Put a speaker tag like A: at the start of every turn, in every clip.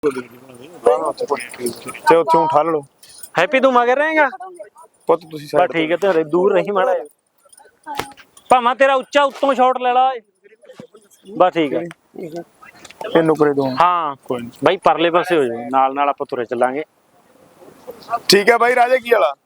A: ਤੇ ਉੱਥੋਂ ਠੱਲ ਲਓ।
B: ਹੈਪੀ ਤੂੰ ਮਗਰ ਰਹੇਗਾ
A: ਪੁੱਤ ਤੁਸੀਂ
B: ਬਸ ਠੀਕ ਹੈ ਤੇਰੇ ਦੂਰ ਰਹੀ ਮਾੜਾ ਭਾਵੇਂ ਤੇਰਾ ਉੱਚਾ ਉੱਤੋਂ ਸ਼ਾਟ ਲੈ ਲਾ ਬਸ ਠੀਕ ਹੈ
A: ਇਹ ਨੁਕਰੇ ਦੋ
B: ਹਾਂ
A: ਕੋਈ ਨਹੀਂ
B: ਬਾਈ ਪਰਲੇ ਪਾਸੇ ਹੋ ਜਾਓ ਨਾਲ ਨਾਲ ਆਪਾਂ ਤੁਰੇ ਚੱਲਾਂਗੇ
A: ਠੀਕ ਹੈ ਬਾਈ ਰਾਜੇ ਕੀ ਵਾਲਾ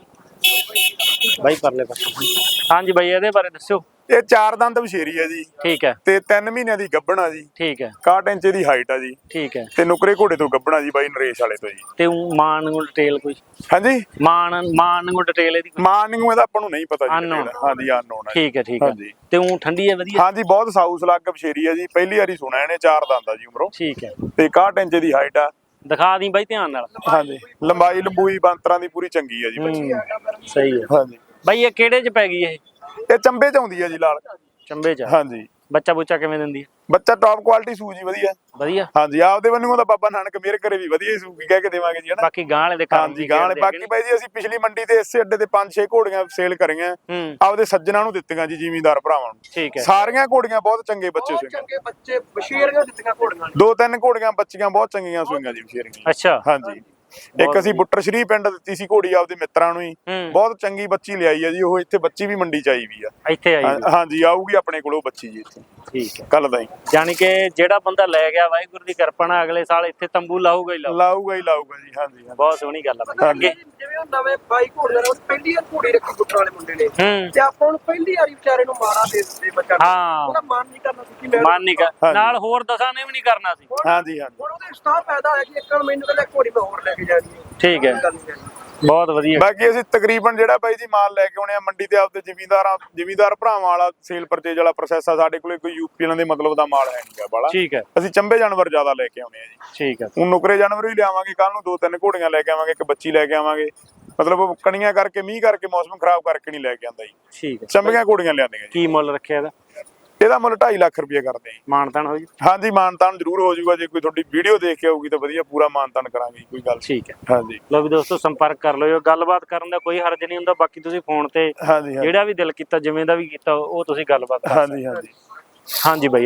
B: ਬਾਈ ਪਰਲੇ ਪਾਸੇ ਹਾਂਜੀ ਬਾਈ ਇਹਦੇ ਬਾਰੇ ਦੱਸਿਓ
A: ਇਹ 4 ਦੰਦ ਬਸ਼ੇਰੀ ਹੈ ਜੀ
B: ਠੀਕ ਹੈ
A: ਤੇ 3 ਮਹੀਨਿਆਂ ਦੀ ਗੱਭਣ ਆ ਜੀ
B: ਠੀਕ ਹੈ
A: 61 ਇੰਚ ਦੀ ਹਾਈਟ ਆ ਜੀ
B: ਠੀਕ ਹੈ
A: ਤੇ ਨੁਕਰੇ ਘੋੜੇ ਤੋਂ ਗੱਭਣਾ ਜੀ ਬਾਈ ਨਰੇਸ਼ ਵਾਲੇ ਤੋਂ ਜੀ
B: ਤੇ ਮਾਨ ਨੂੰ ਡਿਟੇਲ ਕੋਈ
A: ਹਾਂਜੀ
B: ਮਾਨ ਨੂੰ ਡਿਟੇਲ ਇਹਦੀ
A: ਮਾਨ ਨੂੰ ਇਹਦਾ ਆਪਾਂ ਨੂੰ ਨਹੀਂ ਪਤਾ ਜੀ
B: Unknown।
A: ਹਾਂਜੀ ਅਨਨੋਨ ਹੈ
B: ਠੀਕ ਹੈ ਠੀਕ ਹੈ
A: ਹਾਂਜੀ
B: ਤੇ ਉਹ ਠੰਡੀ ਹੈ ਵਧੀਆ
A: ਹਾਂਜੀ ਬਹੁਤ ਸਾਊਸ ਲੱਗ ਬਸ਼ੇਰੀ ਹੈ ਜੀ ਪਹਿਲੀ ਵਾਰੀ ਸੁਣਿਆ ਇਹਨੇ 4 ਦੰਦ ਆ ਜੀ ਉਮਰੋਂ
B: ਠੀਕ ਹੈ
A: ਤੇ 61 ਇੰਚ ਦੀ ਹਾਈਟ ਆ
B: ਦਿਖਾ ਦੀ ਬਾਈ ਧਿਆਨ ਨਾਲ
A: ਹਾਂਜੀ ਲੰਬਾਈ ਲੰਬੂਈ ਬੰਤਰਾਂ ਦੀ ਪੂਰੀ ਚੰਗੀ ਹੈ ਜੀ ਬੱਚੀ
B: ਸਹੀ ਹੈ
A: ਹਾਂਜੀ
B: ਬਾਈ ਇਹ ਕਿਹੜੇ ਚ ਪੈ ਗਈ ਇਹ
A: ਚੰਬੇ ਚ ਆਉਂਦੀ ਹੈ ਜੀ ਲਾਲ
B: ਚੰਬੇ ਚ
A: ਹਾਂਜੀ
B: ਬੱਚਾ ਬੁੱਚਾ ਕਿਵੇਂ ਦਿੰਦੀ
A: ਬੱਚਾ ਟੌਪ ਕੁਆਲਿਟੀ ਸੂ ਜੀ ਵਧੀਆ
B: ਵਧੀਆ
A: ਹਾਂਜੀ ਆਪਦੇ ਵੱਲੋਂ ਤਾਂ ਬਾਬਾ ਨਾਨਕ ਮੇਰੇ ਘਰੇ ਵੀ ਵਧੀਆ ਹੀ ਸੂ ਕਹਿ ਕੇ ਦੇਵਾਂਗੇ ਜੀ ਹਨਾ
B: ਬਾਕੀ ਗਾਂ ਵਾਲੇ ਦੇ ਕੰਮ
A: ਹਾਂਜੀ ਗਾਂ ਵਾਲੇ ਬਾਕੀ ਬਾਈ ਜੀ ਅਸੀਂ ਪਿਛਲੀ ਮੰਡੀ ਤੇ ਇਸੇ ਅੱਡੇ ਤੇ 5-6 ਘੋੜੀਆਂ ਸੇਲ ਕਰੀਆਂ ਆਪਦੇ ਸੱਜਣਾ ਨੂੰ ਦਿੱਤੀਆਂ ਜੀ ਜ਼ਿਮੀਂਦਾਰ ਭਰਾਵਾਂ ਨੂੰ
B: ਠੀਕ ਹੈ
A: ਸਾਰੀਆਂ ਘੋੜੀਆਂ ਬਹੁਤ ਚੰਗੇ ਬੱਚੇ ਸੂਈਆਂ
C: ਚੰਗੇ ਬੱਚੇ ਬਸ਼ੀਰੀਆਂ ਦਿੱਤੀਆਂ ਘੋੜੀਆਂ
A: 2-3 ਘੋੜੀਆਂ ਬੱਚੀਆਂ ਬਹੁਤ ਚੰਗੀਆਂ ਸੂਈਆਂ ਜੀ ਬਸ਼ੀਰੀਆਂ
B: ਅੱਛਾ
A: ਹਾਂਜੀ ਇੱਕ ਅਸੀਂ ਬੁੱਟਰ ਸ਼੍ਰੀ ਪਿੰਡ ਦਿੱਤੀ ਸੀ ਘੋੜੀ ਆਪਦੇ ਮਿੱਤਰਾਂ ਨੂੰ ਹੀ ਬਹੁਤ ਚੰਗੀ ਬੱਚੀ ਲਿਆਈ ਹੈ ਜੀ ਉਹ ਇੱਥੇ ਬੱਚੀ ਵੀ ਮੰਡੀ ਚ ਆਈ ਵੀ ਆ
B: ਇੱਥੇ ਆਈ
A: ਹਾਂਜੀ ਆਊਗੀ ਆਪਣੇ ਕੋਲ ਉਹ ਬੱਚੀ ਜੀ ਇੱਥੇ
B: ਠੀਕ ਹੈ
A: ਕੱਲ ਦਾ ਹੀ
B: ਯਾਨੀ ਕਿ ਜਿਹੜਾ ਬੰਦਾ ਲੈ ਗਿਆ ਵਾਹਿਗੁਰੂ ਦੀ ਕਿਰਪਾ ਨਾਲ ਅਗਲੇ ਸਾਲ ਇੱਥੇ ਤੰਬੂ ਲਾਊਗਾ ਹੀ
A: ਲਾਊਗਾ ਜੀ ਹਾਂਜੀ
B: ਬਹੁਤ ਸੋਹਣੀ ਗੱਲ ਆ ਅੱਗੇ
C: ਜਿਵੇਂ ਉਹ ਨਵੇਂ ਬਾਈ ਘੋੜੀਆਂ ਨੇ ਪਹਿਲੀ ਵਾਰ ਘੋੜੀ ਰੱਖੀ ਗੁੱਟਾਂ ਵਾਲੇ ਮੁੰਡੇ ਨੇ ਤੇ ਆਪਾਂ ਨੂੰ ਪਹਿਲੀ ਵਾਰੀ ਵਿਚਾਰੇ ਨੂੰ ਮਾਰਾ ਦੇ ਦਿੰਦੇ ਬੱਚਾ
B: ਹਾਂ
C: ਉਹਦਾ ਮਨ ਨਹੀਂ ਕਰਨਾ ਸੀ ਕਿ
B: ਮਨ ਨਹੀਂ ਕਰ ਨਾਲ ਹੋਰ ਦਸਾਂ ਨੇ ਵੀ ਨਹੀਂ ਕਰਨਾ ਸੀ
A: ਹਾਂਜੀ
C: ਹੁਣ ਉਹਦੇ ਸਟਾਰ ਪੈਦਾ ਹੋਇਆ ਕਿ ਇੱਕ ਮੈਨੂੰ ਕਹਿੰਦਾ ਘੋੜੀ ਮੈਂ ਹੋਰ ਲੈ ਕੇ ਜਾਣੀ ਹੈ
B: ਠੀਕ ਹੈ ਬਹੁਤ ਵਧੀਆ
A: ਬਾਕੀ ਅਸੀਂ ਤਕਰੀਬਨ ਜਿਹੜਾ ਬਾਈ ਜੀ ਮਾਲ ਲੈ ਕੇ ਆਉਣੇ ਆ ਮੰਡੀ ਤੇ ਆਪਦੇ ਜ਼ਿਮੀਂਦਾਰ ਭਰਾਵਾਂ ਵਾਲਾ ਸੇਲ ਪਰਚੇਜ ਵਾਲਾ ਪ੍ਰੋਸੈਸ ਆ ਸਾਡੇ ਕੋਲੇ ਕੋਈ ਯੂਪੀ ਵਾਲਿਆਂ ਦੇ ਮਤਲਬ ਦਾ ਮਾਲ ਹੈ ਨਹੀਂਗਾ ਬਾਲਾ
B: ਠੀਕ ਹੈ
A: ਅਸੀਂ ਚੰਬੇ ਜਾਨਵਰ ਜ਼ਿਆਦਾ ਲੈ ਕੇ ਆਉਣੇ ਆ ਜੀ
B: ਠੀਕ ਹੈ
A: ਹੁਣ ਨੁਕਰੇ ਜਾਨਵਰ ਵੀ ਲਿਆਵਾਂਗੇ ਕੱਲ ਨੂੰ 2-3 ਘੋੜੀਆਂ ਲੈ ਕੇ ਆਵਾਂਗੇ ਇੱਕ ਬੱਚੀ ਲੈ ਕੇ ਆਵਾਂਗੇ ਮਤਲਬ ਕਣੀਆਂ ਕਰਕੇ ਮੀਂਹ ਕਰਕੇ ਮੌਸਮ ਖਰਾਬ ਕਰਕੇ ਨਹੀਂ ਲੈ ਕੇ ਆਂਦਾ ਜੀ
B: ਠੀਕ ਹੈ
A: ਚੰਬੀਆਂ ਘੋੜੀਆਂ ਲਿਆਂਦੀਆਂ ਜੀ
B: ਕੀ ਮੁੱਲ ਰੱਖਿਆ ਇਹਦਾ
A: ਇਹਦਾ ਮੁੱਲ 2.5 ਲੱਖ ਰੁਪਏ ਕਰਦੇ ਜੀ
B: ਮਾਨਤਾਨ ਹੋ ਜੀ
A: ਹਾਂਜੀ ਮਾਨਤਾਨ ਜ਼ਰੂਰ ਹੋ ਜਾਊਗਾ ਜੇ ਕੋਈ ਤੁਹਾਡੀ ਵੀਡੀਓ ਦੇਖ ਕੇ ਆਊਗੀ ਤਾਂ ਵਧੀਆ ਪੂਰਾ ਮਾਨਤਾਨ ਕਰਾਂਗੇ ਕੋਈ ਗੱਲ
B: ਠੀਕ ਹੈ
A: ਹਾਂਜੀ
B: ਲੋ ਵੀ ਦੋਸਤੋ ਸੰਪਰਕ ਕਰ ਲਿਓ ਗੱਲਬਾਤ ਕਰਨ ਦਾ ਕੋਈ ਹਰਜ ਨਹੀਂ ਹੁੰਦਾ ਬਾਕੀ ਤੁਸੀਂ ਫੋਨ ਤੇ
A: ਹਾਂਜੀ
B: ਜਿਹੜਾ ਵੀ ਦਿਲ ਕੀਤਾ ਜਿਵੇਂ ਦਾ ਵੀ ਕੀਤਾ ਉਹ ਤੁਸੀਂ ਗੱਲਬਾਤ ਕਰ
A: ਹਾਂਜੀ
B: ਹਾਂਜੀ ਬਾਈ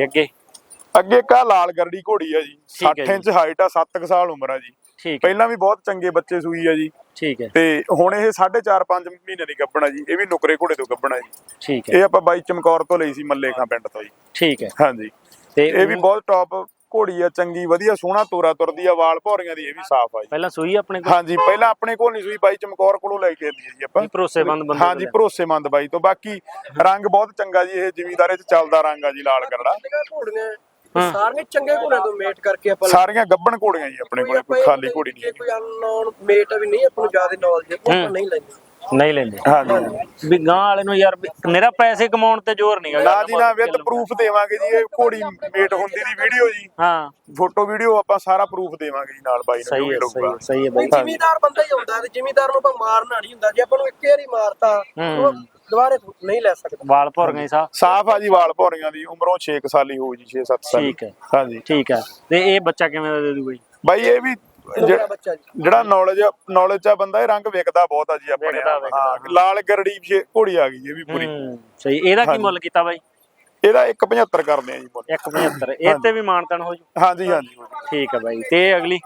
A: ਅੱਗੇ ਕਾ ਲਾਲ ਗਰੜੀ ਘੋੜੀ ਆ ਜੀ 60 ਇੰਚ ਹਾਈਟ ਆ 7 ਸਾਲ ਉਮਰ ਆ ਜੀ
B: ਠੀਕ
A: ਪਹਿਲਾਂ ਵੀ ਬਹੁਤ ਚੰਗੇ ਬੱਚੇ ਸੂਈ ਆ ਜੀ
B: ਠੀਕ ਹੈ
A: ਤੇ ਹੁਣ ਇਹ 4.5 ਮਹੀਨੇ ਦੀ ਗੱਭਣ ਆ ਜੀ ਇਹ ਵੀ ਨੁਕਰੇ ਘੋੜੇ ਤੋਂ ਗੱਭਣ ਆ ਜੀ
B: ਠੀਕ ਹੈ
A: ਇਹ ਆਪਾਂ ਬਾਈ ਚਮਕੌਰ ਤੋਂ ਲਈ ਸੀ ਮੱਲੇ ਖਾਂ ਪਿੰਡ ਤੋਂ ਜੀ
B: ਠੀਕ ਹੈ
A: ਹਾਂਜੀ
B: ਤੇ
A: ਇਹ ਵੀ ਬਹੁਤ ਟੌਪ ਘੋੜੀ ਆ ਚੰਗੀ ਵਧੀਆ ਸੋਹਣਾ ਤੋਰਾ ਤੁਰਦੀ ਆ ਵਾਲ ਭੌਰੀਆਂ ਦੀ ਇਹ ਵੀ ਸਾਫ਼ ਆ ਜੀ
B: ਪਹਿਲਾਂ ਸੂਈ ਆਪਣੇ ਕੋਲ
A: ਹਾਂਜੀ ਪਹਿਲਾਂ ਆਪਣੇ ਕੋਲ ਨਹੀਂ ਸੂਈ ਬਾਈ ਚਮਕੌਰ ਕੋਲੋਂ ਲੈ ਕੇ ਆਂਦੀ ਜੀ ਆਪਾਂ
B: ਭਰੋਸੇਮੰਦ ਬੰਦੇ
A: ਹਾਂਜੀ ਭਰੋਸੇਮੰਦ ਬਾਈ ਤੋਂ ਬਾਕੀ ਰੰਗ ਬਹੁਤ ਚੰਗਾ ਜੀ ਇਹ ਜ਼ਿਮੀਂਦਾਰੇ ਚ ਚੱਲਦਾ ਰੰਗ ਆ ਜੀ ਲਾਲ ਕਰੜਾ
C: ਘੋੜੀਆਂ ਸਾਰੀਆਂ ਚੰਗੇ ਘੋੜਿਆਂ ਤੋਂ ਮੇਟ ਕਰਕੇ ਆਪਾਂ
A: ਸਾਰੀਆਂ ਗੱਭਣ ਘੋੜੀਆਂ ਜੀ ਆਪਣੇ ਕੋਲੇ ਕੋਈ ਖਾਲੀ ਘੋੜੀ ਨਹੀਂ
C: ਕੋਈ ਅਨਨੋਨ ਮੇਟ ਵੀ ਨਹੀਂ ਆਪਾਂ ਨੂੰ ਜ਼ਿਆਦਾ ਨੌਲੇਜ ਆਪਾਂ ਨਹੀਂ ਲੈਂਦੇ
B: ਨਹੀਂ ਲੈਂਦੇ
A: ਹਾਂਜੀ
B: ਵੀ ਗਾਂ ਵਾਲੇ ਨੂੰ ਯਾਰ ਮੇਰਾ ਪੈਸੇ ਕਮਾਉਣ ਤੇ ਜ਼ੋਰ ਨਹੀਂ
A: ਨਾ ਜੀ ਨਾ ਵਿਦ ਪ੍ਰੂਫ ਦੇਵਾਂਗੇ ਜੀ ਇਹ ਘੋੜੀ ਮੇਟ ਹੁੰਦੀ ਦੀ ਵੀਡੀਓ ਜੀ
B: ਹਾਂ
A: ਫੋਟੋ ਵੀਡੀਓ ਆਪਾਂ ਸਾਰਾ ਪ੍ਰੂਫ ਦੇਵਾਂਗੇ ਜੀ ਨਾਲ ਬਾਈ ਨੂੰ
B: ਸਹੀ ਹੈ ਸਹੀ ਹੈ ਬਾਈ
C: ਜ਼ਿਮੀਦਾਰ ਬੰਦਾ ਹੀ ਹੁੰਦਾ ਤੇ ਜ਼ਿਮੀਦਾਰ ਨੂੰ ਆਪਾਂ ਮਾਰਨਾ ਨਹੀਂ ਹੁੰਦਾ ਜੇ ਆਪਾਂ ਨੂੰ ਇੱਕ ਵਾਰੀ ਮਾਰਤਾ ਉਹ ਦੁਬਾਰੇ ਨਹੀਂ ਲੈ ਸਕਦਾ
B: ਵਾਲ ਭਰ ਗਏ
A: ਸਾਫ ਆ ਜੀ ਵਾਲ ਭੌਰੀਆਂ ਦੀ ਉਮਰੋਂ 6 ਸਾਲ ਹੀ ਹੋਊ ਜੀ 6-7 ਸਾਲ
B: ਠੀਕ ਹੈ
A: ਹਾਂਜੀ
B: ਠੀਕ ਹੈ ਤੇ ਇਹ ਬੱਚਾ ਕਿਵੇਂ ਦਾ ਦੇ ਦੂ ਬਾਈ
A: ਬਾਈ ਇਹ ਵੀ ਜਿਹੜਾ ਨੌਲੇਜ ਆ ਬੰਦਾ ਇਹ ਰੰਗ ਵਿਕਦਾ ਬਹੁਤ ਆ ਜੀ ਆਪਣੇ ਹਾਂ ਲਾਲ ਗਰੜੀ ਘੋੜੀ ਆ ਗਈ ਇਹ ਵੀ ਪੂਰੀ
B: ਸਹੀ ਇਹਦਾ ਕੀ ਮੁੱਲ ਕੀਤਾ ਬਾਈ
A: ਇਹਦਾ 1.75 ਕਰਦੇ ਆ ਜੀ ਮੁੱਲ
B: 1.75 ਇਹ ਤੇ ਵੀ ਮਾਨਤਾਨ ਹੋ ਜੂ
A: ਹਾਂਜੀ
B: ਠੀਕ ਹੈ ਬਾਈ ਤੇ ਅਗਲੀ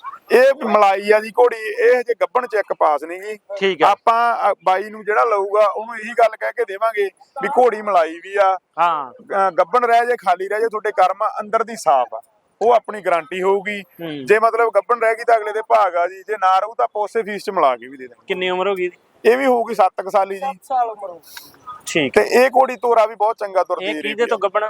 A: ਇਹ ਮਲਾਈ ਆ ਜੀ ਘੋੜੀ ਇਹ ਹਜੇ ਗੱਭਣ ਚੈੱਕ ਪਾਸ ਨਹੀਂ ਜੀ
B: ਠੀਕ ਹੈ
A: ਆਪਾਂ ਬਾਈ ਨੂੰ ਜਿਹੜਾ ਲਊਗਾ ਉਹਨੂੰ ਇਹੀ ਗੱਲ ਕਹਿ ਕੇ ਦੇਵਾਂਗੇ ਵੀ ਘੋੜੀ ਮਲਾਈ ਵੀ ਆ
B: ਹਾਂ
A: ਗੱਭਣ ਰਹਿ ਜੇ ਖਾਲੀ ਰਹਿ ਜੇ ਤੁਹਾਡੇ ਕਰਮ ਅੰਦਰ ਦੀ ਸਾਫ਼ ਆ ਉਹ ਆਪਣੀ ਗਾਰੰਟੀ ਹੋਊਗੀ ਜੇ ਮਤਲਬ ਗੱਭਣ ਰਹਿ ਗਈ ਤਾਂ ਅਗਲੇ ਦੇ ਭਾਗ ਆ ਜੀ ਜੇ ਨਾ ਰਹੂ ਤਾਂ ਆਪਾਂ ਉਸੇ ਫੀਸ ਚ ਮਿਲਾ ਕੇ ਵੀ ਦੇ ਦੇਵਾਂਗੇ
B: ਕਿੰਨੀ ਉਮਰ ਹੋ ਗਈ
A: ਇਹ ਵੀ ਹੋਊਗੀ 7 ਸਾਲੀ ਜੀ
C: 7 ਸਾਲ ਉਮਰ
B: ਠੀਕ
A: ਤੇ ਇਹ ਘੋੜੀ ਤੋਰਾ ਵੀ ਬਹੁਤ ਚੰਗਾ ਤੁਰਦੀ
B: ਇਹ ਕਿਹਦੇ ਤੋਂ ਗੱਭਣਾ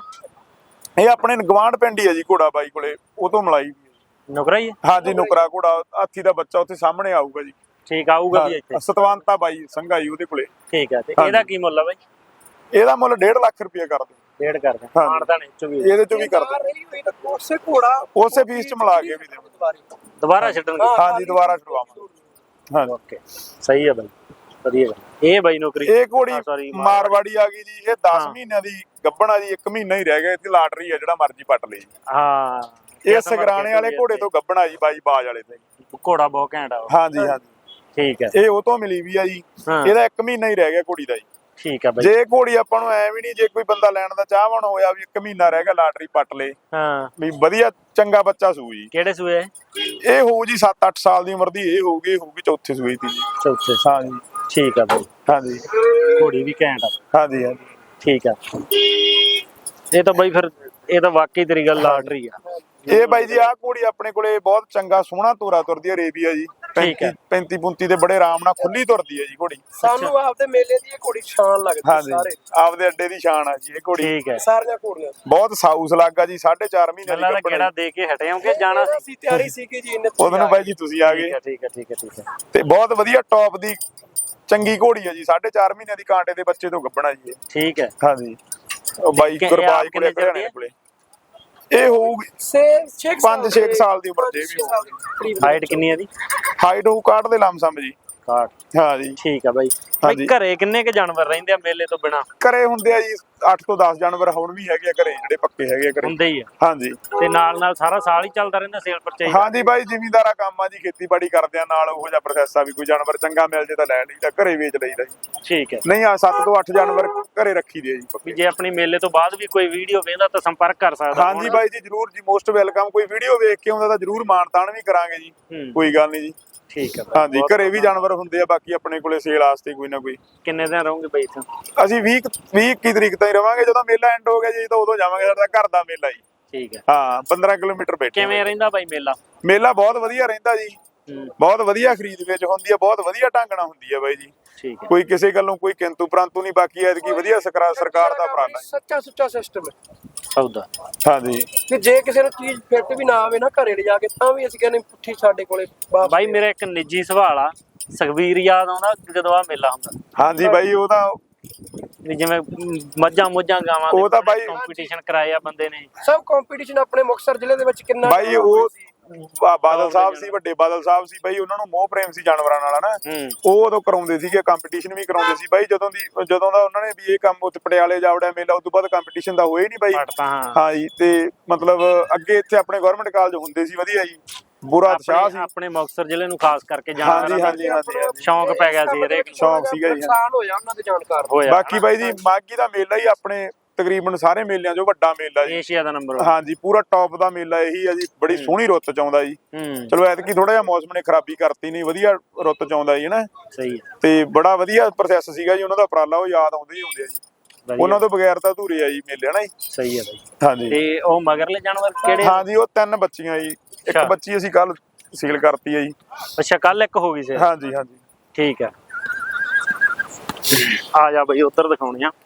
A: ਇਹ ਆਪਣੇ ਗਵਾਂਢ ਪਿੰਡ ਹੀ ਆ ਜੀ ਘੋੜਾ ਬਾਈ ਕੋਲੇ ਉਹ ਤੋਂ ਮਲਾਈ
B: ਨੁਕਰਾ ਹੀ
A: ਹਾਂਜੀ ਨੁਕਰਾ ਘੋੜਾ ਹਾਥੀ ਦਾ ਬੱਚਾ ਉੱਥੇ ਸਾਹਮਣੇ ਆਊਗਾ ਜੀ
B: ਠੀਕ ਆਊਗਾ ਵੀ ਇੱਥੇ
A: ਸਤਵੰਤਾ ਬਾਈ ਸੰਘਾਈ ਉਹਦੇ ਕੋਲੇ
B: ਠੀਕ ਹੈ ਤੇ ਇਹਦਾ ਕੀ ਮੁੱਲ ਆ ਬਾਈ
A: ਇਹਦਾ ਮੁੱਲ 1.5 ਲੱਖ ਰੁਪਏ ਕਰ ਦਿਓ
B: ਡੇਢ ਕਰਦੇ ਮਾਨਤਾਨ
A: ਇਹਦੇ ਚੋਂ ਵੀ ਕਰਦੇ
C: ਉਸੇ ਘੋੜਾ
A: ਉਸੇ ਫੀਸ ਚ ਮਿਲਾ ਕੇ ਵੀ ਦੇਵਾਂਗੇ
B: ਦੁਬਾਰਾ ਛੱਡਣਗੇ
A: ਹਾਂਜੀ ਦੁਬਾਰਾ ਛੁਡਵਾਵਾਂਗੇ ਹਾਂਜੀ
B: ਓਕੇ ਸਹੀ ਹੈ ਬਾਈ ਵਧੀਆ ਗੱਲ ਇਹ ਬਾਈ ਨੌਕਰੀ
A: ਇਹ ਘੋੜੀ ਮਾਰਵਾੜੀ ਆ ਗਈ ਜੀ ਇਹ 10 ਮਹੀਨਿਆਂ ਦੀ ਗੱਭਣ ਆ ਜੀ 1 ਮਹੀਨਾ ਹੀ ਰਹਿ ਗਿਆ ਇਹਦੀ ਲਾਟਰੀ ਆ ਜਿਹੜਾ ਮਰਜ਼ੀ ਪੱਟ ਲਈ
B: ਹਾਂ
A: ਇਹ ਸਗਰਾਣੇ ਵਾਲੇ ਘੋੜੇ ਤੋਂ ਗੱਭਣ ਆ ਜੀ ਬਾਈ ਬਾਜ ਵਾਲੇ ਤੇ
B: ਘੋੜਾ ਬਹੁਤ ਘੈਂਟ ਆ
A: ਹਾਂਜੀ
B: ਠੀਕ ਹੈ
A: ਇਹ ਉਹ ਤੋਂ ਮਿਲੀ ਵੀ ਆ ਜੀ ਇਹਦਾ 1 ਮਹੀਨਾ ਹੀ ਰਹਿ ਗਿਆ ਘੋੜੀ ਦਾ ਜੀ
B: ਠੀਕ ਹੈ ਬਾਈ
A: ਜੇ ਘੋੜੀ ਆਪਾਂ ਨੂੰ ਐ ਵੀ ਨਹੀਂ ਜੇ ਕੋਈ ਬੰਦਾ ਲੈਣ ਦਾ ਚਾਹਵਾਨ ਹੋਇਆ ਵੀ 1 ਮਹੀਨਾ ਰਹਿ ਗਿਆ ਲਾਟਰੀ ਪੱਟ ਲੇ
B: ਹਾਂ
A: ਵੀ ਵਧੀਆ ਚੰਗਾ ਬੱਚਾ ਸੂ ਜੀ।
B: ਕਿਹੜੇ ਸੂਏ ਇਹ?
A: ਇਹ ਹੋਊ ਜੀ 7-8 ਸਾਲ ਦੀ ਉਮਰ ਦੀ ਇਹ ਹੋਊਗੀ ਚੌਥੇ ਸੂਏ ਦੀ ਜੀ।
B: ਚੌਥੇ
A: ਹਾਂ ਜੀ।
B: ਠੀਕ ਆ ਬਾਈ।
A: ਹਾਂਜੀ
B: ਘੋੜੀ ਵੀ ਘੈਂਟ ਆ।
A: ਹਾਂਜੀ ਹਾਂਜੀ
B: ਠੀਕ ਆ। ਇਹ ਤਾਂ ਬਾਈ ਫਿਰ ਇਹ ਤਾਂ ਵਾਕਈ ਤੇਰੀ ਗੱਲ ਲਾਟਰੀ ਆ।
A: ਇਹ ਬਾਈ ਜੀ ਆਹ ਘੋੜੀ ਆਪਣੇ ਕੋਲੇ ਬਹੁਤ ਚੰਗਾ ਸੋਹਣਾ ਤੋਰਾ ਤੁਰਦੀ ਹੈ ਅਰੇਬੀਆ ਜੀ।
B: ਠੀਕ ਹੈ।
A: 35 ਦੇ ਬੜੇ ਆਰਾਮ ਨਾਲ ਖੁੱਲੀ ਤੁਰਦੀ ਹੈ ਜੀ ਘੋੜੀ।
C: ਸਾਨੂੰ ਆਪਦੇ ਮੇਲੇ ਦੀ ਇਹ ਘੋੜੀ ਸ਼ਾਨ ਲੱਗਦੀ
A: ਹਾਂਜੀ
C: ਸਾਰੇ
A: ਆਪਦੇ ਅੱਡੇ ਦੀ ਸ਼ਾਨ ਆ ਜੀ ਇਹ ਘੋੜੀ।
B: ਠੀਕ ਹੈ।
C: ਸਾਰੀਆਂ ਘੋੜੀਆਂ
A: ਬਹੁਤ ਸਾਊਸ ਲੱਗਾ ਜੀ 4.5 ਮਹੀਨੇ ਦੀ
B: ਗੱਲਾਂ ਦਾ
A: ਗੱਭਣ
B: ਕਿਹੜਾ ਦੇ ਕੇ ਹਟੇ ਹੋ ਕਿ ਜਾਣਾ ਸੀ?
C: ਅਸੀਂ ਤਿਆਰੀ ਸੀ ਕਿ ਜੀ
A: ਉਹਦੋਂ ਨੂੰ ਬਾਈ ਜੀ ਤੁਸੀਂ ਆ ਗਏ।
B: ਠੀਕ ਹੈ।
A: ਤੇ ਬਹੁਤ ਵਧੀਆ ਟੌਪ ਦੀ ਚੰਗੀ ਘੋੜੀ ਹੈ ਜੀ 4.5 ਮਹੀਨਿਆਂ ਦੀ ਕਾਂਟੇ ਦੇ ਬੱਚੇ ਤੋਂ ਗੱਭਣਾ ਜੀ।
B: ਠੀਕ ਹੈ।
A: ਹਾਂਜੀ ਉਹ ਬਾਈ ਗੁਰਬਾਜ ਕੋਲੇ ਘਰਿਆਣੇ ਕੋਲੇ ਇਹ ਹੋਊਗੀ 5-6 ਸਾਲ ਦੀ ਉਮਰ ਦੇ ਵੀ।
B: ਹਾਈਟ ਕਿੰਨੀ ਹੈ ਦੀ?
A: ਹਾਈਟ ਹੋਊ ਕਾਟ ਦੇ ਲਮਸਮ ਜੀ।
B: 60।
A: ਹਾਂ ਜੀ
B: ਠੀਕ ਆ ਬਾਈ।
A: ਹਾਂਜੀ।
B: ਘਰੇ ਕਿੰਨੇ ਕ ਜਾਨਵਰ ਰਹਿੰਦੇ ਆ ਮੇਲੇ ਤੋਂ ਬਿਨਾ?
A: ਘਰੇ ਹੁੰਦੇ ਆ ਜੀ 8 ਤੋਂ 10 ਜਾਨਵਰ ਹੁਣ ਵੀ ਹੈਗੇ ਆ ਘਰੇ ਜਿਹੜੇ ਪੱਕੇ ਹੈਗੇ ਆ ਘਰੇ।
B: ਹੁੰਦੇ ਹੀ ਆ।
A: ਹਾਂਜੀ
B: ਤੇ ਨਾਲ ਸਾਰਾ ਸਾਲ ਹੀ ਚੱਲਦਾ ਰਹਿੰਦਾ ਸੇਲ ਪਰਚੇਜ?
A: ਹਾਂਜੀ ਬਾਈ ਜ਼ਿਮੀਂਦਾਰਾ ਕੰਮ ਆ ਜੀ ਖੇਤੀਬਾੜੀ ਕਰਦੇ ਆ ਨਾਲ ਉਹੋ ਜਿਹਾ ਪ੍ਰੋਸੈਸ ਆ ਵੀ ਕੋਈ ਜਾਨਵਰ ਚੰਗਾ ਮਿਲ ਜੇ ਤਾਂ ਲੈ ਲਈਦਾ ਘਰੇ ਵੇਚ ਲਈਦਾ ਜੀ।
B: ਠੀਕ ਹੈ।
A: ਨਹੀਂ ਆ 7 ਤੋਂ 8 ਜਾਨਵਰ ਘਰੇ ਰੱਖੀ ਦੇ ਆ ਜੀ
B: ਵੀ
A: ਪੱਕੇ।
B: ਜੇ ਆਪਣੀ ਮੇਲੇ ਤੋਂ ਬਾਅਦ ਵੀ ਕੋਈ ਵੀਡੀਓ ਵੇਖਦਾ ਤਾਂ ਸੰਪਰਕ ਕਰ ਸਕਦਾ।
A: ਹਾਂਜੀ ਬਾਈ ਜੀ ਜਰੂਰ ਜੀ ਮੋਸਟ ਵੈਲਕਮ। ਕੋਈ ਵੀਡੀਓ ਵੇਖ ਕੇ ਆਉਂਦਾ ਤਾਂ ਜਰੂਰ ਮਾਨਤਾਨ ਵੀ ਕਰਾਂਗੇ ਜੀ। ਕੋਈ ਗੱਲ ਨਹੀਂ ਜੀ।
B: ਠੀਕ ਹੈ।
A: ਹਾਂਜੀ ਘਰੇ ਵੀ ਜਾਨਵਰ ਹੁੰਦੇ ਆ ਬਾਕੀ ਆਪਣੇ ਕੋਲੇ ਸੇਲ ਵਾਸਤੇ ਕੋਈ ਨਾ ਕੋਈ।
B: ਕਿੰਨੇ ਦਿਨ ਰਹੋਗੇ ਬਾਈ ਇੱਥੇ?
A: ਅਸੀਂ 20-21 ਤਰੀਕ ਤਾਈਂ ਰਵਾਂਗੇ। ਜਦੋਂ ਮੇਲਾ ਐਂਡ ਹੋ ਗਿਆ ਜੀ ਤਾਂ ਉਦੋਂ ਜਾਵਾਂਗੇ। ਸਾਡਾ ਘਰ ਦਾ ਮੇਲਾ ਜੀ।
B: ਠੀਕ ਹੈ।
A: ਹਾਂ 15 ਕਿਲੋਮੀਟਰ ਬੈਠੇ।
B: ਕਿਵੇਂ ਰਹਿੰਦਾ ਬਾਈ ਮੇਲਾ?
A: ਮੇਲਾ ਬਹੁਤ ਵਧੀਆ ਰਹਿੰਦਾ ਜੀ। ਬਹੁਤ ਵਧੀਆ ਖਰੀਦ ਵੇਚ ਹੁੰਦੀ ਆ ਬਹੁਤ ਵਧੀਆ ਢੰਗ ਨਾਲ ਹੁੰਦੀ ਆ ਬਾਈ ਜੀ।
B: ਠੀਕ ਹੈ।
A: ਕੋਈ ਕਿਸੇ ਗੱਲੋਂ ਕੋਈ ਕਿੰਤੂ ਪ੍ਰੰਤੂ ਨਹੀਂ। ਬਾਕੀ ਐਤਕੀ ਵਧੀਆ ਸਰਕਾਰ ਦਾ ਉਪਰਾਲਾ ਹੈ।
C: ਸੱਚਾ ਸੁੱਚਾ ਸਿਸਟਮ ਹੈ
B: ਸੌਦਾ।
A: ਹਾਂਜੀ
C: ਕਿ ਜੇ ਕਿਸੇ ਨੂੰ ਚੀਜ਼ ਫਿੱਟ ਵੀ ਨਾ ਆਵੇ ਨਾ ਘਰੇ ਲਿਜਾ ਕੇ ਤਾਂ ਵੀ ਅਸੀਂ ਕਹਿੰਦੇ ਪੁੱਠੀ ਸਾਡੇ ਕੋਲੇ ਵਾਪਸ
B: ਬਾਈ ਮੇਰਾ ਇੱਕ ਨਿੱਜੀ ਸਵਾਲ ਆ। ਸੁਖਬੀਰ ਯਾਦ ਆਉਂਦਾ ਜਦੋਂ ਆ ਮੇਲਾ ਹੁੰਦਾ?
A: ਹਾਂਜੀ ਬਾਈ ਉਹ ਤਾਂ
B: ਵੀ ਜਿਵੇਂ ਮੱਝਾਂ ਗਾਵਾਂ
A: ਉਹ ਤਾਂ ਬਾਈ
B: ਕੰਪੀਟੀਸ਼ਨ ਕਰਾਇਆ ਬੰਦੇ ਨੇ।
C: ਸਭ ਕੰਪੀਟੀਸ਼ਨ ਆਪਣੇ ਮੁਕਤਸਰ ਜ਼ਿਲ੍ਹੇ ਦੇ ਵਿੱਚ ਕਿੰਨਾ
A: ਬਾਈ ਉਹ ਬਾਦਲ ਸਾਹਿਬ ਸੀ ਵੱਡੇ ਬਾਦਲ ਸਾਹਿਬ ਸੀ ਬਾਈ। ਉਹਨਾਂ ਨੂੰ ਮੋਹ ਪ੍ਰੇਮ ਸੀ ਜਾਨਵਰਾਂ ਨਾਲ ਨਾ। ਉਹ ਉਦੋਂ ਕਰਾਉਂਦੇ ਸੀਗੇ ਕੰਪੀਟੀਸ਼ਨ ਵੀ ਕਰਾਉਂਦੇ ਸੀ ਬਾਈ। ਜਦੋਂ ਦਾ ਉਹਨਾਂ ਨੇ ਵੀ ਇਹ ਕੰਮ ਉੱਤੇ ਪਟਿਆਲੇ ਜਾਵੜਿਆ ਮੇਲਾ ਉਸ ਤੋਂ ਬਾਅਦ ਕੰਪੀਟੀਸ਼ਨ ਦਾ ਹੋਇਆ ਹੀ ਨਹੀਂ ਬਾਈ। ਹਾਂ ਜੀ ਤੇ ਮਤਲਬ ਅੱਗੇ ਇੱਥੇ ਆਪਣੇ ਗਵਰਨਮੈਂਟ ਕਾਲਜ ਹੁੰਦੇ ਸੀ ਵਧੀਆ ਜੀ। ਬੁਰਾ ਉਤਸ਼ਾਹ ਸੀ
B: ਆਪਣੇ ਮੁਕਤਸਰ ਜ਼ਿਲ੍ਹੇ ਨੂੰ ਖਾਸ ਕਰਕੇ ਜਾਨਵਰਾਂ
A: ਹਾਂਜੀ
B: ਸ਼ੌਂਕ ਪੈ ਗਿਆ ਸੀ ਹਰੇਕ
A: ਸ਼ੌਂਕ ਸੀਗਾ ਜੀ।
C: ਨੁਕਸਾਨ ਹੋਇਆ ਉਹਨਾਂ ਦੇ ਜਾਣਕਾਰ
B: ਹੋਇਆ।
A: ਬਾਕੀ ਬਾਈ ਜੀ ਮਾਘੀ ਦਾ ਮੇਲਾ ਹੀ ਆਪਣੇ ਤਕਰੀਬਨ ਸਾਰੇ ਮੇਲਿਆਂ 'ਚੋਂ ਵੱਡਾ ਮੇਲਾ ਜੀ।
B: ਏਸ਼ੀਆ ਦਾ ਨੰਬਰ।
A: ਹਾਂਜੀ ਪੂਰਾ ਟੌਪ ਦਾ ਮੇਲਾ ਇਹੀ ਆ ਜੀ। ਬੜੀ ਸੋਹਣੀ ਰੁੱਤ 'ਚ ਆਉਂਦਾ ਜੀ। ਚਲੋ ਐਤਕੀ ਥੋੜਾ ਜਿਹਾ ਮੌਸਮ ਨੇ ਖਰਾਬੀ ਕਰਤੀ। ਨਹੀਂ ਵਧੀਆ ਰੁੱਤ 'ਚ ਆਉਂਦਾ ਜੀ ਨਾ।
B: ਸਹੀ ਹੈ।
A: ਤੇ ਬੜਾ ਵਧੀਆ ਪ੍ਰੋਸੈਸ ਸੀਗਾ ਜੀ ਉਹਨਾਂ ਦਾ ਉਪਰਾਲਾ। ਉਹ ਯਾਦ ਆਉਂਦੇ ਹੀ ਹੁੰਦੇ ਆ ਜੀ। ਉਹਨਾਂ ਤੋਂ ਬਗੈਰ ਤਾਂ ਅਧੂਰੇ ਆ ਜੀ ਮੇਲੇ ਹਨਾ ਜੀ।
B: ਸਹੀ ਹੈ ਬਾਈ।
A: ਹਾਂਜੀ
B: ਤੇ ਉਹ ਮਗਰਲੇ ਜਾਨਵਰ ਕਿਹੜੇ?
A: ਹਾਂਜੀ ਉਹ 3 ਬੱਚੀਆਂ ਜੀ। ਇੱਕ ਬੱਚੀ ਅਸੀਂ ਕੱਲ ਸੀਲ ਕਰਤੀ ਹੈ ਜੀ।
B: ਅੱਛਾ ਕੱਲ ਇੱਕ ਹੋ ਗਈ ਸੀ?
A: ਹਾਂਜੀ ਹਾਂਜੀ
B: ਠੀਕ ਹੈ। ਆ ਜਾ ਬਈ ਉੱਧਰ ਦਿਖਾਉਣੀ ਆ।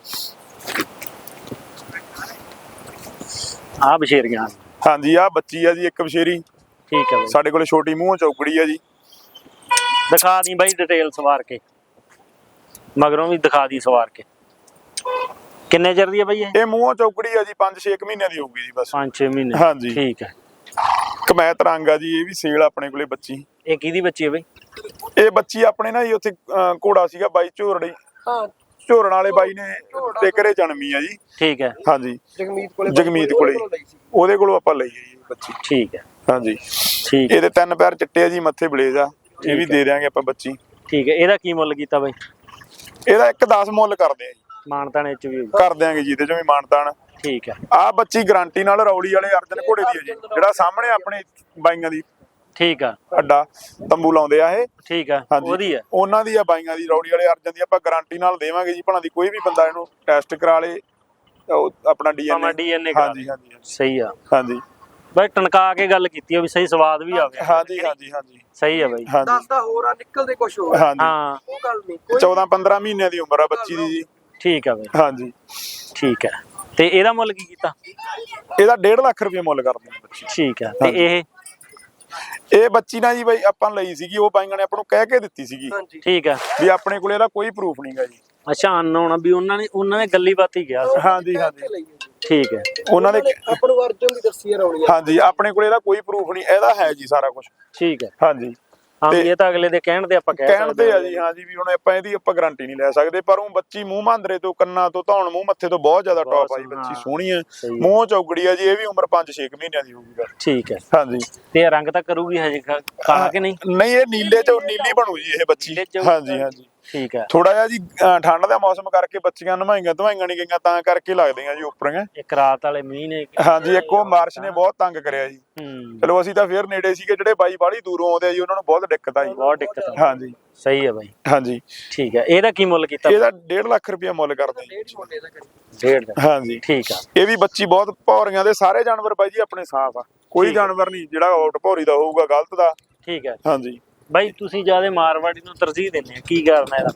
B: ਆ ਬਸ਼ੇਰ ਗਿਆ।
A: ਹਾਂਜੀ ਆ ਬੱਚੀ ਆ ਜੀ ਇੱਕ ਬਸ਼ੇਰੀ।
B: ਠੀਕ ਹੈ ਬਾਈ।
A: ਸਾਡੇ ਕੋਲੇ ਛੋਟੀ ਮੂੰਹ ਚੌਕੜੀ ਆ ਜੀ।
B: ਦਿਖਾ ਦੀ ਬਾਈ ਡਿਟੇਲ ਸਵਾਰ ਕੇ। ਮਗਰੋਂ ਵੀ ਦਿਖਾ ਦੀ ਸਵਾਰ ਕੇ। ਕਿੰਨੇ ਚਿਰ ਦੀ ਹੈ ਬਾਈ ਇਹ?
A: ਇਹ ਮੂੰਹ ਚੌਕੜੀ ਆ ਜੀ 5-6 ਮਹੀਨਿਆਂ ਦੀ ਹੋਊਗੀ ਜੀ ਬਸ।
B: 5-6 ਮਹੀਨੇ।
A: ਹਾਂਜੀ
B: ਠੀਕ ਹੈ।
A: ਕਮੈਤ ਰੰਗ ਆ ਜੀ। ਇਹ ਵੀ ਸੇਲ ਆਪਣੇ ਕੋਲੇ ਬੱਚੀ।
B: ਇਹ ਕਿਹਦੀ ਬੱਚੀ ਹੈ ਬਾਈ?
A: ਇਹ ਬੱਚੀ ਆਪਣੇ ਨਾ ਜੀ ਉੱਥੇ ਘੋੜਾ ਸੀਗਾ ਬਾਈ ਝੋਰੜੀ।
C: ਹਾਂ
A: ਝੋਰਨ ਵਾਲੇ ਬਾਈ ਨੇ ਤੇ ਘਰੇ ਜਨਮੀ ਆ ਜੀ।
B: ਠੀਕ ਹੈ।
A: ਹਾਂਜੀ
C: ਜਗਮੀਤ ਕੋਲੇ
A: ਉਹਦੇ ਕੋਲੋਂ ਆਪਾਂ ਲਈ ਜੀ ਬੱਚੀ।
B: ਠੀਕ ਹੈ।
A: ਹਾਂਜੀ
B: ਠੀਕ।
A: ਇਹਦੇ 3 ਪੈਰ ਚਿੱਟੇ ਆ ਜੀ ਮੱਥੇ ਬਲੇਜ ਆ। ਇਹ ਵੀ ਦੇ ਦਿਆਂਗੇ ਆਪਾਂ ਬੱਚੀ।
B: ਠੀਕ ਹੈ। ਇਹਦਾ ਕੀ ਮੁੱਲ ਕੀਤਾ ਬਾਈ?
A: ਇਹਦਾ 1.10 ਮੁੱਲ ਕਰਦੇ ਆ ਜੀ।
B: ਮਾਨਤਾਨ ਇਹ ਚ ਵੀ
A: ਕਰ ਦਿਆਂਗੇ ਜੀ ਇਹਦੇ ਚੋਂ ਵੀ ਮਾਨਤਾਨ।
B: ਠੀਕ ਹੈ।
A: ਆ ਬੱਚੀ ਗਾਰੰਟੀ ਨਾਲ ਰੌਲੀ ਵਾਲੇ ਅਰਜਨ ਘੋੜੇ ਦੀ ਹੈ ਜੀ। ਜਿਹੜਾ ਸਾਹਮਣੇ ਆਪਣੇ ਬਾਈਆਂ ਦੀ
B: ਠੀਕ ਆ
A: ਅੱਡਾ ਤੰਬੂ ਲਾਉਂਦੇ ਆ ਇਹ।
B: ਠੀਕ ਆ ਉਹਦੀ ਆ
A: ਉਹਨਾਂ ਦੀ ਆ ਬਾਈਆਂ ਦੀ ਰੌੜੀ ਵਾਲੇ ਅਰਜਨ ਦੀ। ਆਪਾਂ ਗਾਰੰਟੀ ਨਾਲ ਦੇਵਾਂਗੇ ਜੀ। ਭਣਾ ਦੀ ਕੋਈ ਵੀ ਬੰਦਾ ਇਹਨੂੰ ਟੈਸਟ ਕਰਾ ਲੇ ਆਪਣਾ
B: ਡੀਐਨਏ
A: ਹਾਂਜੀ ਹਾਂਜੀ
B: ਸਹੀ ਆ।
A: ਹਾਂਜੀ
B: ਬਾਈ ਟਣਕਾ ਕੇ ਗੱਲ ਕੀਤੀ ਆ ਵੀ ਸਹੀ ਸਵਾਦ ਵੀ ਆਵੇ।
A: ਹਾਂਜੀ ਹਾਂਜੀ ਹਾਂਜੀ
B: ਸਹੀ ਆ ਬਾਈ।
C: ਦੱਸਦਾ ਹੋਰ ਆ ਨਿਕਲਦੇ ਕੁਝ ਹੋਰ।
A: ਹਾਂਜੀ
B: ਹਾਂ
C: ਉਹ ਗੱਲ ਨਹੀਂ।
A: 14-15 ਮਹੀਨਿਆਂ ਦੀ ਉਮਰ ਆ ਬੱਚੀ ਦੀ ਜੀ।
B: ਠੀਕ ਆ ਬਾਈ।
A: ਹਾਂਜੀ
B: ਠੀਕ ਹੈ। ਤੇ ਇਹਦਾ ਮੁੱਲ ਕੀ ਕੀਤਾ?
A: ਇਹਦਾ 1.5 ਲੱਖ ਰੁਪਏ ਮੁੱਲ ਕਰਦੇ ਆ ਬੱਚੀ।
B: ਠੀਕ ਹੈ। ਤੇ
A: ਇਹ ਬੱਚੀ ਨਾ ਜੀ ਬਾਈ ਆਪਾਂ ਲਈ ਸੀਗੀ। ਉਹ ਬਾਈਆਂ ਨੇ ਆਪਾਂ ਨੂੰ ਕਹਿ ਕੇ ਦਿੱਤੀ ਸੀਗੀ।
B: ਠੀਕ ਹੈ।
A: ਵੀ ਆਪਣੇ ਕੋਲੇ ਇਹਦਾ ਕੋਈ ਪ੍ਰੂਫ ਨਹੀਂਗਾ ਜੀ।
B: ਅੱਛਾ ਅਨਨੋਨ ਵੀ ਉਹਨਾਂ ਨੇ ਗੱਲੀ ਬਾਤ ਹੀ ਕਿਹਾ ਸੀ।
A: ਹਾਂਜੀ ਹਾਂਜੀ
B: ਠੀਕ ਹੈ।
A: ਉਹਨਾਂ ਨੇ
C: ਆਪਾਂ ਨੂੰ ਅਰਜਨ ਦੀ ਦੱਸੀ ਹੈ ਰੌਲੀ।
A: ਹਾਂਜੀ ਆਪਣੇ ਕੋਲੇ ਇਹਦਾ ਕੋਈ ਪ੍ਰੂਫ ਨਹੀਂ। ਇਹਦਾ ਹੈ ਜੀ ਸਾਰਾ ਕੁਝ।
B: ਠੀਕ ਹੈ।
A: ਹਾਂਜੀ
B: ਹਾਂ ਇਹ ਤਾਂ ਅਗਲੇ ਦੇ ਕਹਿਣ ਤੇ ਆਪਾਂ
A: ਕਹਿਣ ਤੇ ਆ ਜੀ। ਹਾਂਜੀ ਵੀ ਹੁਣ ਆਪਾਂ ਇਹਦੀ ਆਪਾਂ ਗਾਰੰਟੀ ਨਹੀਂ ਲੈ ਸਕਦੇ। ਪਰ ਉਹ ਬੱਚੀ ਮੂੰਹ ਮਾਂਦਰੇ ਤੋਂ ਕੰਨਾਂ ਤੋਂ ਧੌਣ ਮੂੰਹ ਮੱਥੇ ਤੋਂ ਬਹੁਤ ਜ਼ਿਆਦਾ ਟੌਪ ਆ ਜੀ। ਬੱਚੀ ਸੋਹਣੀ ਹੈ। ਮੂੰਹ ਚੌਗੜੀ ਆ ਜੀ। ਇਹ ਵੀ ਉਮਰ 5-6 ਮਹੀਨਿਆਂ ਦੀ ਹੋਊਗੀ।
B: ਠੀਕ ਹੈ।
A: ਹਾਂਜੀ
B: ਤੇ ਰੰਗ ਤਾਂ ਕਰੂਗੀ ਹਜੇ ਖਾ ਕੇ ਨਹੀਂ?
A: ਨਹੀਂ ਇਹ ਨੀਲੇ ਚ ਨੀਲੀ ਬਣੂ ਜੀ ਇਹ ਬੱਚੀ। ਹਾਂਜੀ ਹਾਂਜੀ
B: ਠੀਕ ਹੈ।
A: ਥੋੜਾ ਜਿਹਾ ਜੀ ਠੰਡ ਦਾ ਮੌਸਮ ਕਰਕੇ ਬੱਚੀਆਂ ਨਵਾਈਆਂ ਧਵਾਈਆਂ ਨਹੀਂ ਗਈਆਂ ਤਾਂ ਕਰਕੇ ਲੱਗਦੀਆਂ ਜੀ ਉੱਪਰੀਆਂ।
B: ਇੱਕ ਰਾਤ ਵਾਲੇ ਮੀਂਹ ਨੇ
A: ਹਾਂਜੀ ਇੱਕ ਉਹ ਮਾਰਚ ਨੇ ਬਹੁਤ ਤੰਗ ਕਰਿਆ ਜੀ।
B: ਹੂੰ
A: ਚਲੋ ਅਸੀਂ ਤਾਂ ਫੇਰ ਨੇੜੇ ਸੀਗੇ, ਜਿਹੜੇ ਬਾਈ ਬਾਹਲੀ ਦੂਰੋਂ ਆਉਂਦੇ ਆ ਜੀ ਉਹਨਾਂ ਨੂੰ ਬਹੁਤ ਦਿੱਕਤ ਆਈ।
B: ਬਹੁਤ ਦਿੱਕਤ ਆ।
A: ਹਾਂਜੀ
B: ਸਹੀ ਹੈ ਬਾਈ।
A: ਹਾਂਜੀ
B: ਠੀਕ ਹੈ। ਇਹਦਾ ਕੀ ਮੁੱਲ ਕੀਤਾ?
A: ਇਹਦਾ 1.5 ਲੱਖ ਰੁਪਇਆ ਮੁੱਲ ਕਰਦੇ ਜੀ।
B: 1.5 ਦਾ।
A: ਹਾਂਜੀ
B: ਠੀਕ ਆ।
A: ਇਹ ਵੀ ਬੱਚੀ ਬਹੁਤ ਭੌਰੀਆਂ ਦੇ ਸਾਰੇ ਜਾਨਵਰ ਬਾਈ ਜੀ ਆਪਣੇ ਸਾਫ ਆ, ਕੋਈ ਜਾਨਵਰ ਨਹੀਂ ਜਿਹੜਾ ਆਊਟ ਭੌਰੀ ਦਾ ਹੋਊਗਾ ਗਲਤ ਦਾ।
B: ਠੀਕ ਹੈ
A: ਹਾਂਜੀ
B: ਬਾਈ, ਤੁਸੀਂ ਜਿਆਦਾ ਮਾਰਵਾੜੀ ਨੂੰ ਤਰਜੀਹ ਦਿੰਦੇ ਆ, ਕੀ ਕਾਰਨ ਹੈ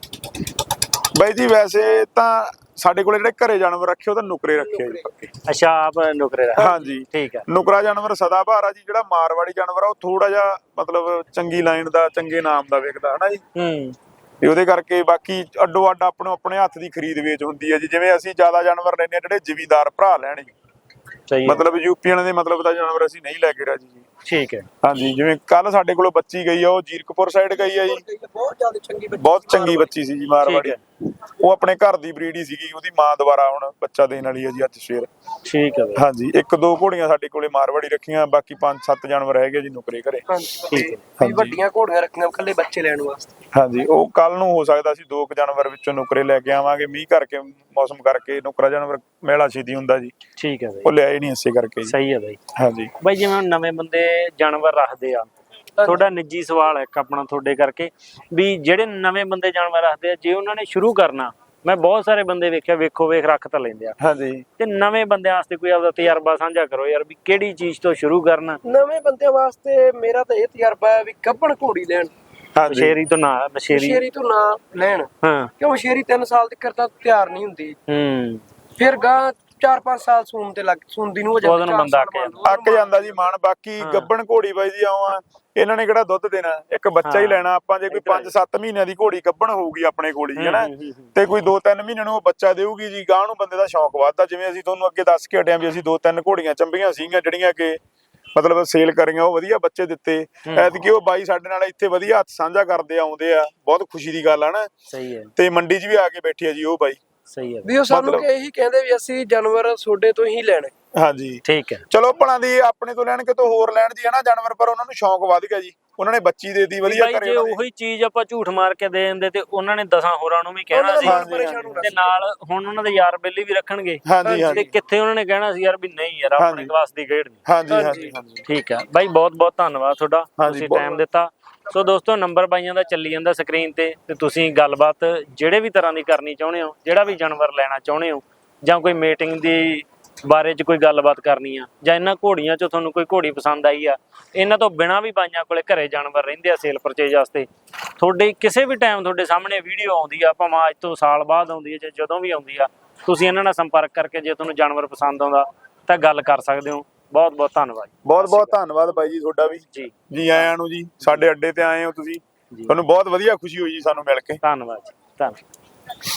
B: ਇਹਦਾ?
A: ਬਾਈ ਜੀ ਵੈਸੇ ਤਾਂ ਸਾਡੇ ਕੋਲੇ ਜਿਹੜੇ ਘਰੇ ਜਾਨਵਰ ਰੱਖੇ ਉਹ ਤਾਂ ਨੁਕਰੇ ਰੱਖੇ ਆ ਜੀ ਪੱਕੇ।
B: ਅੱਛਾ, ਆਪ ਨੁਕਰੇ ਦਾ।
A: ਹਾਂਜੀ
B: ਠੀਕ ਹੈ।
A: ਨੁਕਰਾ ਜਾਨਵਰ ਸਦਾਬਹਾਰ ਆ ਜੀ। ਜਿਹੜਾ ਮਾਰਵਾੜੀ ਜਾਨਵਰ ਆ ਉਹ ਥੋੜਾ ਜਿਹਾ ਮਤਲਬ ਚੰਗੀ ਲਾਈਨ ਦਾ, ਚੰਗੇ ਨਾਮ ਦਾ ਵਿਕਦਾ ਹਨਾ ਜੀ।
B: ਹੂੰ
A: ਤੇ ਉਹਦੇ ਕਰਕੇ ਬਾਕੀ ਅੱਡੋ ਅੱਡ ਆਪਣੋ ਆਪਣੇ ਹੱਥ ਦੀ ਖਰੀਦ ਵੇਚ ਹੁੰਦੀ ਹੈ ਜੀ। ਜਿਵੇਂ ਅਸੀਂ ਜ਼ਿਆਦਾ ਜਾਨਵਰ ਲੈਣੇ ਆ ਜਿਹੜੇ ਜ਼ਿਮੀਦਾਰ ਭਰਾ ਲੈਣ ਜੀ,
B: ਸਹੀ ਹੈ।
A: ਮਤਲਬ ਯੂਪੀਆਂ ਦੇ ਮਤਲਬ ਦਾ ਜਾਨਵਰ ਅਸੀਂ ਨਹੀਂ ਲੈ ਕੇ ਰਾਜੀ ਜੀ।
B: ਠੀਕ ਹੈ।
A: ਹਾਂਜੀ ਜਿਵੇਂ ਕੱਲ ਸਾਡੇ ਕੋਲੋਂ ਬੱਚੀ ਗਈ ਆ, ਉਹ ਜੀਰਕਪੁਰ ਸਾਈਡ ਗਈ ਆ ਜੀ।
C: ਬਹੁਤ ਜ਼ਿਆਦਾ ਚੰਗੀ ਬੱਚੀ,
A: ਬਹੁਤ ਚੰਗੀ ਬੱਚੀ ਸੀ ਜੀ ਮਾਰਵਾੜੀ।
B: ਠੀਕ
A: ਉਹ ਆਪਣੇ ਘਰ ਦੀ ਬਰੀਡ ਹੀ ਸੀਗੀ, ਉਹਦੀ ਮਾਂ ਦੁਬਾਰਾ ਹੁਣ ਬੱਚਾ ਦੇਣ ਵਾਲੀ ਹੈ ਜੀ ਅੱਜ ਸਵੇਰ।
B: ਠੀਕ ਹੈ ਬਾਈ।
A: ਹਾਂਜੀ ਇੱਕ ਦੋ ਘੋੜੀਆਂ ਸਾਡੇ ਕੋਲੇ ਮਾਰਵਾੜੀ ਰੱਖੀਆਂ, ਬਾਕੀ 5-7 ਜਾਨਵਰ ਹੈਗੇ ਜੀ ਨੁਕਰੇ ਘਰੇ।
B: ਠੀਕ ਹੈ।
C: ਵੀ ਵੱਡੀਆਂ ਘੋੜੀਆਂ ਰੱਖੀਆਂ ਇਕੱਲੇ ਬੱਚੇ ਲੈਣ ਵਾਸਤੇ।
A: ਹਾਂਜੀ ਉਹ ਕੱਲ ਨੂੰ ਹੋ ਸਕਦਾ ਸੀ 2 ਜਾਨਵਰ ਵਿੱਚੋਂ ਨੁਕਰੇ ਲੈ ਕੇ ਆਵਾਂਗੇ। ਮੀਂਹ ਕਰਕੇ ਮੌਸਮ ਕਰਕੇ ਨੁਕਰਾ ਜਾਨਵਰ ਮੇਲਾ ਛੇਤੀ ਹੁੰਦਾ ਜੀ,
B: ਠੀਕ ਹੈ ਬਾਈ।
A: ਉਹ ਲਿਆਏ ਨਹੀਂ ਇਸੇ ਕਰਕੇ ਜੀ।
B: ਸਹੀ ਹੈ ਬਾਈ।
A: ਹਾਂਜੀ
B: ਬਾਈ ਜਿਵੇਂ ਹੁਣ ਨਵੇਂ ਬੰਦੇ ਜਾਨਵਰ ਰੱਖਦੇ ਆ, ਤੁਹਾਡਾ ਨਿੱਜੀ ਸਵਾਲ ਹੈ ਇੱਕ ਆਪਣਾ ਤੁਹਾਡੇ ਕਰਕੇ, ਵੀ ਜਿਹੜੇ ਨਵੇਂ ਬੰਦੇ ਜਾਨਵਰ ਰੱਖਦੇ ਆ, ਜੇ ਉਹਨਾਂ ਨੇ ਸ਼ੁਰੂ ਕਰਨਾ, ਮੈਂ ਬਹੁਤ ਸਾਰੇ ਬੰਦੇ ਵੇਖਿਆ ਵੇਖ ਰੱਖ ਤਾਂ ਲੈਂਦੇ ਆ,
A: ਹਾਂਜੀ
B: ਤੇ ਨਵੇਂ ਬੰਦਿਆਂ ਵਾਸਤੇ ਕੋਈ ਆਪਦਾ ਤਜਰਬਾ ਸਾਂਝਾ ਕਰੋ ਯਾਰ, ਵੀ ਕਿਹੜੀ ਚੀਜ਼ ਤੋਂ ਸ਼ੁਰੂ ਕਰਨਾ।
C: ਨਵੇਂ ਬੰਦਿਆਂ ਵਾਸਤੇ ਮੇਰਾ ਤਾਂ ਇਹ ਤਜਰਬਾ ਹੈ ਵੀ ਗੱਭਣ ਘੋੜੀ ਲੈਣ,
A: ਹਾਂਜੀ
B: ਬਸ਼ੇਰੀ ਤੋਂ ਨਾ
C: ਮਸ਼ੇਰੀ ਤੋਂ ਨਾ ਲੈਣ,
B: ਹਾਂ।
C: ਕਿਉਂ ਮਸ਼ੇਰੀ 3 ਸਾਲ ਤੱਕ ਤਾਂ ਤਿਆਰ ਨਹੀਂ ਹੁੰਦੀ।
B: ਹੂੰ
C: ਫਿਰ ਗਾਂ 4-5 ਸਾਲ ਸੂਣ ਤੇ ਲੱਗ ਸੂੰਦੀ ਨੂੰ ਹੋ
B: ਉਦੋਂ ਨੂੰ ਬੰਦਾ
A: ਅੱਕ ਜਾਂਦਾ ਜੀ ਮਾਨ। ਬਾਕੀ ਗੱਬਣ ਘੋੜੀ ਬਾਈ ਜੀ ਆਉਂ ਆ, ਇਹਨਾਂ ਨੇ ਕਿਹੜਾ ਦੁੱਧ ਦੇਣਾ, ਇੱਕ ਬੱਚਾ ਹੀ ਲੈਣਾ ਆਪਾਂ। ਜੇ ਕੋਈ 5-7 ਮਹੀਨਿਆਂ ਦੀ ਘੋੜੀ ਗੱਬਣ ਹੋਊਗੀ ਆਪਣੇ ਕੋਲ ਹੀ ਹਨਾ, ਤੇ ਕੋਈ 2-3 ਮਹੀਨਿਆਂ ਨੂੰ ਉਹ ਬੱਚਾ ਦੇਊਗੀ ਜੀ, ਗਾਂ ਨੂੰ ਬੰਦੇ ਦਾ ਸ਼ੌਕ ਵੱਧਦਾ। ਜਿਵੇਂ ਅਸੀਂ ਤੁਹਾਨੂੰ ਅੱਗੇ ਦੱਸ ਕੇ ਹਟਿਆ ਵੀ ਅਸੀਂ 2-3 ਘੋੜੀਆਂ ਚੰਬੀਆਂ ਸੀਗੀਆਂ ਜਿਹੜੀਆਂ ਕਿ ਮਤਲਬ ਸੇਲ ਕਰੀਆਂ, ਉਹ ਵਧੀਆ ਬੱਚੇ ਦਿੱਤੇ। ਐਤਕੀ ਉਹ ਬਾਈ ਸਾਡੇ ਨਾਲ ਇੱਥੇ ਵਧੀਆ ਹੱਥ ਸਾਂਝਾ ਕਰਦੇ ਆਉਂਦੇ ਆ, ਬਹੁਤ ਖੁਸ਼ੀ ਦੀ ਗੱਲ ਆ ਨਾ।
B: ਸਹੀ ਹੈ।
A: ਤੇ ਮੰਡੀ 'ਚ ਵੀ ਆ ਕੇ ਬੈਠੀ ਆ ਜੀ ਉਹ ਬਾਈ।
B: ਸਹੀ ਹੈ
C: ਵੀ ਉਹ ਸਾਨੂੰ ਇਹੀ ਕਹਿੰਦੇ ਵੀ ਅਸੀਂ ਜਾਨਵਰ ਤੁਹਾਡੇ ਤੋਂ ਹੀ ਲੈਣੇ।
A: ਹਾਂਜੀ
B: ਠੀਕ ਹੈ।
A: ਚਲੋ ਭਲਾਂ ਦੀ ਆਪਣੇ ਤੋਂ ਲੈਣ ਕਿਤੋਂ ਹੋਰ ਲੈਣ ਜੀ ਹਨਾ ਜਾਨਵਰ, ਪਰ ਉਹਨਾਂ ਨੂੰ ਸ਼ੌਂਕ ਵੱਧ ਗਿਆ ਜੀ, ਉਹਨਾਂ ਨੇ ਬੱਚੀ ਦੇ ਦਿੱਤੀ ਵਧੀਆ
B: ਜੇ ਉਹੀ ਚੀਜ਼ ਆਪਾਂ ਝੂਠ ਮਾਰ ਕੇ ਦੇ ਦਿੰਦੇ ਤੇ ਉਹਨਾਂ ਨੇ 10 ਹੋਰਾਂ ਨੂੰ ਵੀ ਕਹਿਣਾ ਸੀ, ਤੇ ਨਾਲ ਹੁਣ ਉਹਨਾਂ ਦੇ ਯਾਰ ਬੇਲੀ ਵੀ ਰੱਖਣਗੇ। ਤੇ ਕਿੱਥੇ ਉਹਨਾਂ ਨੇ ਕਹਿਣਾ ਸੀ ਯਾਰ ਵੀ ਨਹੀਂ ਯਾਰ ਆਪਣੇ ਕਲਾਸ ਦੀ ਖੇਡ ਨਹੀਂ।
A: ਹਾਂਜੀ।
B: ਠੀਕ ਹੈ ਬਾਈ, ਬਹੁਤ ਬਹੁਤ ਧੰਨਵਾਦ ਤੁਹਾਡਾ, ਤੁਸੀਂ ਟਾਈਮ ਦਿੱਤਾ। ਸੋ ਦੋਸਤੋ, ਨੰਬਰ ਬਾਈਆਂ ਦਾ ਚੱਲੀ ਜਾਂਦਾ ਸਕਰੀਨ ਤੇ ਤੁਸੀਂ ਗੱਲਬਾਤ ਜਿਹੜੇ ਵੀ ਤਰ੍ਹਾਂ ਦੀ ਕਰਨੀ ਚਾਹੁੰਦੇ ਹੋ, ਜਿਹੜਾ ਵੀ ਜਾਨਵਰ ਲੈਣਾ ਚਾਹੁੰਦੇ ਹੋ, ਜਾਂ ਕੋਈ ਮੀਟਿੰਗ ਦੀ ਬਾਰੇ 'ਚ ਕੋਈ ਗੱਲਬਾਤ ਕਰਨੀ ਆ, ਜਾਂ ਇਹਨਾਂ ਘੋੜੀਆਂ 'ਚੋਂ ਤੁਹਾਨੂੰ ਕੋਈ ਘੋੜੀ ਪਸੰਦ ਆਈ ਆ, ਇਹਨਾਂ ਤੋਂ ਬਿਨਾਂ ਵੀ ਬਾਈਆਂ ਕੋਲੇ ਘਰੇ ਜਾਨਵਰ ਰਹਿੰਦੇ ਆ ਸੇਲ ਪਰਚੇਜ ਵਾਸਤੇ, ਤੁਹਾਡੇ ਕਿਸੇ ਵੀ ਟਾਈਮ ਤੁਹਾਡੇ ਸਾਹਮਣੇ ਵੀਡੀਓ ਆਉਂਦੀ ਆ, ਭਾਵੇਂ ਅੱਜ ਤੋਂ ਸਾਲ ਬਾਅਦ ਆਉਂਦੀ ਹੈ ਜਾਂ ਜਦੋਂ ਵੀ ਆਉਂਦੀ ਆ, ਤੁਸੀਂ ਇਹਨਾਂ ਨਾਲ ਸੰਪਰਕ ਕਰਕੇ ਜੇ ਤੁਹਾਨੂੰ ਜਾਨਵਰ ਪਸੰਦ ਆਉਂਦਾ ਤਾਂ ਗੱਲ ਕਰ ਸਕਦੇ ਹੋ। ਬਹੁਤ ਬਹੁਤ ਧੰਨਵਾਦ। ਬਹੁਤ ਬਹੁਤ
A: ਧੰਨਵਾਦ ਬਾਈ ਜੀ ਤੁਹਾਡਾ ਵੀ ਜੀ ਆਇਆਂ ਨੂੰ ਜੀ, ਸਾਡੇ ਅੱਡੇ ਤੇ ਆਏ ਹੋ ਤੁਸੀਂ, ਤੁਹਾਨੂੰ ਬਹੁਤ ਵਧੀਆ ਖੁਸ਼ੀ ਹੋਈ ਜੀ ਸਾਨੂੰ ਮਿਲ ਕੇ।
B: ਧੰਨਵਾਦ ਜੀ, ਧੰਨਵਾਦ।